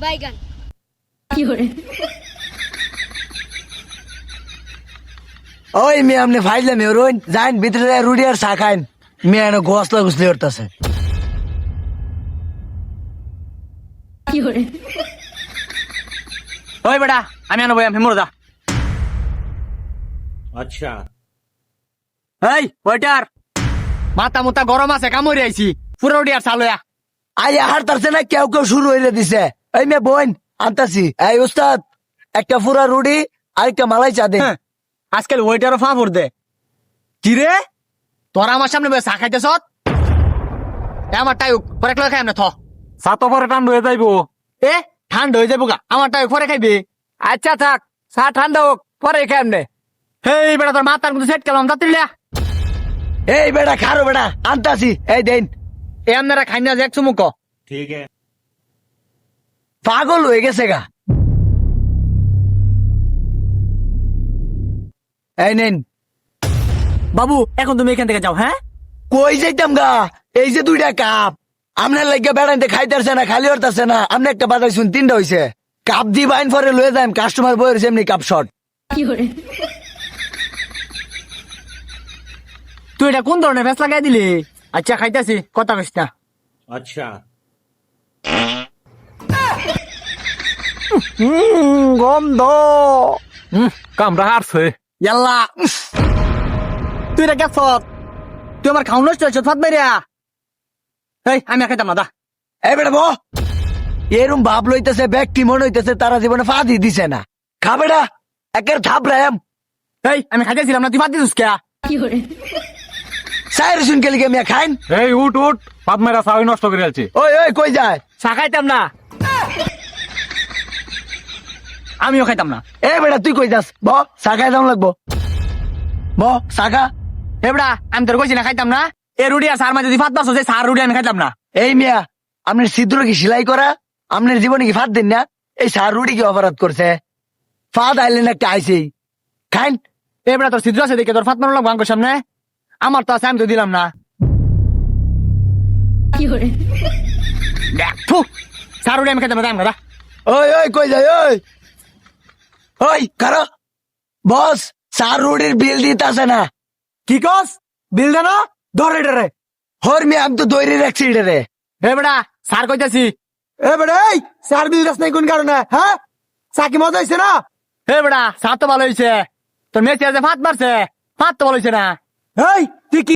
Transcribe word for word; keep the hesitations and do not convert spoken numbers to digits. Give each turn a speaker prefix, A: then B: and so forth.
A: বাইগান
B: কি করে
C: ওই মেয়ে আপনি ফাইলে মেয়ে রইন যাইন ভিতরে রুটি আর চা খাইন মেয়ে এনে গোসলা গুসলি করতেছে
B: কি করে
D: ওই বেটা আমি আনবো আমি মরে যা
E: अच्छा
D: এই ওইটার মাথা মুতা গরম আছে কামড়ে আইছি পুরো রুটি আর চালুয়া
C: আই হার তারছে না কেউ কেউ শুরু হইলে দিছে এই মেয়ে বোন আনতাছি এই উস্তাদ একটা পুরা রুটি আর একটা মালাই চা দে
D: আজকাল ওইটারও ফাঁপড় দে কি রে তোরা আমার সামনে বসে চা খাইতেছ আমার টাই পরে একলা খাই না থ
E: চা তো পরে ঠান্ডা হয়ে যাইবো
D: এ ঠান্ডা হয়ে যাবো গা আমার টাই পরে খাইবি আচ্ছা থাক চা ঠান্ডা হোক পরে খাই আমনে হেই বেটা তোর মাথার মধ্যে সেট করলাম তাড়াতাড়ি
C: এই বেটা খারো বেটা আনতাছি এই দেন
D: এ আপনারা খাই না এক চুমুক
E: ठीक है
C: পাগল হয়ে গেছে গা এই নেন
D: বাবু এখন তুমি এখান থেকে যাও হ্যাঁ
C: কই যাইতাম গা এই যে দুইটা কাপ আপনার লাগিয়া বেড়াইতে খাইতেছে না খালি হরতাছে না আপনি একটা বাজাই শুন তিনটা হইছে কাপ দি বাইন পরে লয়ে যাই কাস্টমার বই রয়েছে এমনি কাপ শর্ট
B: কি করে
D: তুই এটা কোন ধরনের ফেস লাগাই দিলি আচ্ছা খাইতেছি কথা কইস না
E: अच्छा
D: গন্ধ কামড়া হারছে ইয়াল্লা তুই এটা গেছ তুই আমার খাওয়া নষ্ট হয়েছ ফাত মেরিয়া এই আমি আর খাইতাম না দা
C: এই বেটা বো এরম ভাব লইতেছে ব্যক্তি মনে হইতেছে তারা জীবনে ফাঁদি দিছে না খা বেটা একের থাপ রাম
D: এই আমি খাইতেছিলাম না তুই ফাত দিছিস কে
B: কি করে
C: সাইর শুন কেলি কে মিয়া খাইন
E: এই উঠ উঠ পাত মেরা চাই নষ্ট করে আলছি
C: ওই ওই কই যায়
D: চা খাইতাম না আমিও খাইতাম না
C: এ বেটা তুই কই যাস ব সাকাই দাম লাগবো ব সাকা
D: এবড়া আমি তোর কইছি না খাইতাম না এ রুটি আর সার মাঝে যদি ফাত পাস সার রুটি আমি খাইতাম না
C: এই মিয়া আপনার ছিদ্র কি সেলাই করা আপনার জীবনে কি ফাঁদ দিন না এই সার রুটি কি অপরাধ করছে ফাঁদ আইলেন একটা আইসেই খাইন
D: এবড়া তোর ছিদ্র আছে দেখে তোর ফাত মারলাম গাঙ্গোর সামনে আমার তো আছে আমি তো দিলাম না
B: কি করে
D: ফু সার রুটি আমি খাইতাম না দাম
C: ওই ওই কই যায় ওই ওই কারো বস সার রুটির বিল দিতে না
D: কি কস বিল দেন ধরে ডরে
C: হর মিয়া আমি তো দৈরি রাখছি রে
D: এবড়া সার কইতাছি
C: এ বেটা এই সার বিল দাস নাই কোন কারণে হ্যাঁ সাকি মজা হইছে না
D: এবড়া সার তো ভালো হয়েছে তোর মেয়ে যে ফাত মারছে ফাত তো ভালো হয়েছে না
C: এই তুই কি